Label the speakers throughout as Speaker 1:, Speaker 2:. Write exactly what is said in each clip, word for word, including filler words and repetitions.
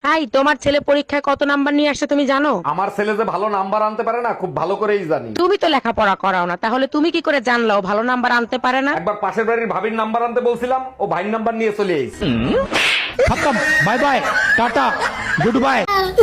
Speaker 1: High, তোমার ছেলে পরীক্ষায় কত নাম্বার নিয়ে আসছে তুমি জানো?
Speaker 2: আমার ছেলে যে ভালো নাম্বার আনতে পারে না খুব ভালো করেই জানি।
Speaker 1: তুমি তো লেখাপড়া করাও না, তাহলে তুমি কি করে জানলাও ভালো নাম্বার আনতে পারে না?
Speaker 2: একবার পাশের বাড়ির ভাবির নাম্বার আনতে বলছিলাম, ও ভাইয়ের নাম্বার নিয়ে চলে এসেছে।
Speaker 3: खत्म। Bye bye, ta-ta, goodbye.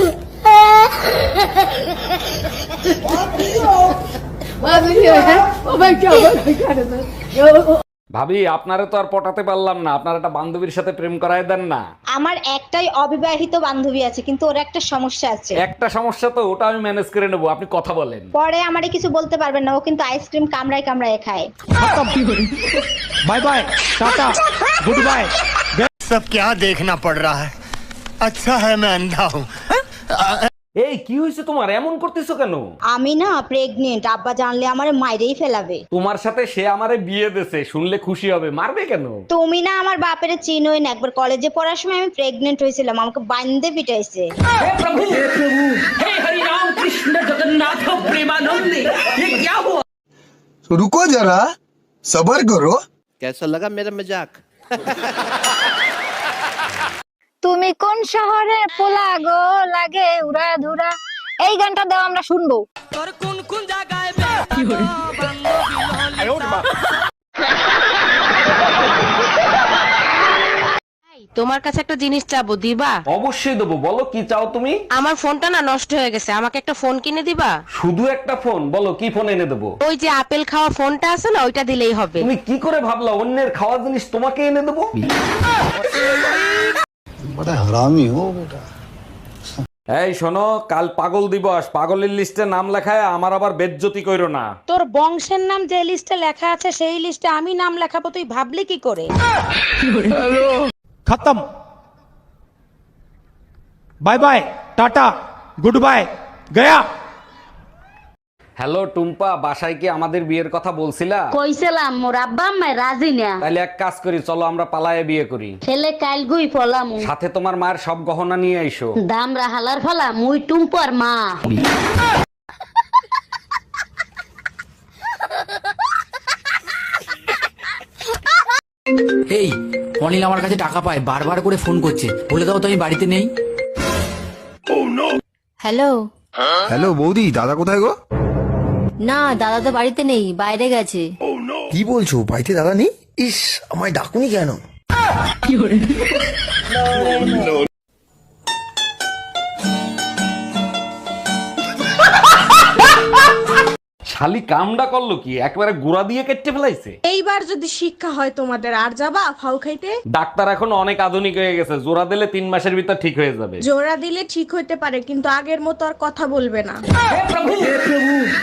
Speaker 2: ভাবি, আপনারে তো আর পটাতে পারলাম না, আপনার একটা বান্ধবীর সাথে প্রেম করায় দেন না।
Speaker 4: আমার একটাই অবিবাহিত বান্ধবী আছে, কিন্তু ওর একটা সমস্যা আছে।
Speaker 2: একটা সমস্যা তো, ওটা আমি ম্যানেজ করে নেবো, আপনি কথা বলেন।
Speaker 4: পরে আমারে কিছু বলতে পারবেন না, ও কিন্তু আইসক্রিম কামড়ায় কামড়ায় খায়।
Speaker 3: Bye bye, ta-ta, goodbye.
Speaker 5: सब क्या देखना पड़ रहा है। अच्छा है मैं अंधा हूँ।
Speaker 2: এই কি হয়েছে তোমার, এমন করতেছো কেন?
Speaker 4: আমি না প্রেগনেন্ট, আব্বা জানলে আমারে মাইরেই ফেলাবে।
Speaker 2: তোমার সাথে সে আমারে বিয়ে দেছে, শুনলে খুশি হবে, মারবে কেন?
Speaker 4: তুমি না আমার বাপের চিনোই না, একবার কলেজে পড়ার সময় আমি প্রেগনেন্ট হয়েছিলাম, আমাকে বান্ধে পিটাইছে।
Speaker 6: रुको जरा सबर करो।
Speaker 7: कैसा लगा मेरा मजाक?
Speaker 8: তুমি কোন শহরে পোলা গো লাগে উড়া ধুরা, এই গানটা দাও আমরা শুনবো।
Speaker 1: তোমার কাছে একটা জিনিস চাবো, দিবা?
Speaker 2: অবশ্যই দেবো, বলো কি চাও তুমি?
Speaker 1: আমার ফোনটা না নষ্ট হয়ে গেছে, আমাকে একটা ফোন কিনে দিবা?
Speaker 2: শুধু একটা ফোন? বলো কি ফোন এনে দেবো।
Speaker 1: ওই যে আপেল খাওয়া ফোনটা আছে না, ওইটা দিলেই হবে।
Speaker 2: তুমি কি করে ভাবলা অন্যের খাওয়া জিনিস তোমাকে এনে দেবো?
Speaker 6: बड़ा हरामी हो बेटा।
Speaker 2: এই শোনো, কাল পাগল দিবস, পাগলের লিস্টে নাম লেখায় আমার আবার বেজ্জতি কইরো না।
Speaker 1: তোর বংশের নাম যে লিস্টে লেখা আছে সেই লিস্টে আমি নাম লেখাবো, তুই ভাবলি কি করে?
Speaker 3: खत्म। Bye bye, ta-ta, goodbye, गया।
Speaker 2: হ্যালো টুম্পা, বাসায় কি আমাদের বিয়ের কথা বলছিলা?
Speaker 9: কইছিলাম মোর আব্বা আম্মা রাজি না।
Speaker 2: তাহলে এক কাজ করি, চলো আমরা পালায়ে বিয়ে করি।
Speaker 9: ছেলে কাল গুই ফলাম,
Speaker 2: সাথে তোমার মায়ের সব গহনা নিয়ে আইসো।
Speaker 9: দাম রাহালার ফলা মুই টুম্পর মা।
Speaker 10: এই অনিল আমার কাছে টাকা পায়, বারবার করে ফোন করছে, বলে দাও তো আমি বাড়িতে নেই।
Speaker 8: হ্যালো।
Speaker 6: হ্যালো বৌদি, দাদা কোথায় গো?
Speaker 8: না, দাদা তো বাড়িতে নেই, বাইরে গেছে।
Speaker 6: কি বলছো, বাড়িতে দাদা নেই? ইস, আমায় ডাকুনি কেন?
Speaker 2: শালি কামডা করলো কি, একবারে গুড়া দিয়ে কেটে ফেলাইছে।
Speaker 1: এইবার যদি শিক্ষা হয় তোমাদের, আর যাবা ফাউ খাইতে?
Speaker 2: ডাক্তার এখন অনেক আধুনিক হয়ে গেছে, জোড়া দিলে তিন মাসের ভিতর ঠিক হয়ে যাবে।
Speaker 1: জোড়া দিলে ঠিক হইতে পারে, কিন্তু আগের মতো আর কথা বলবে না।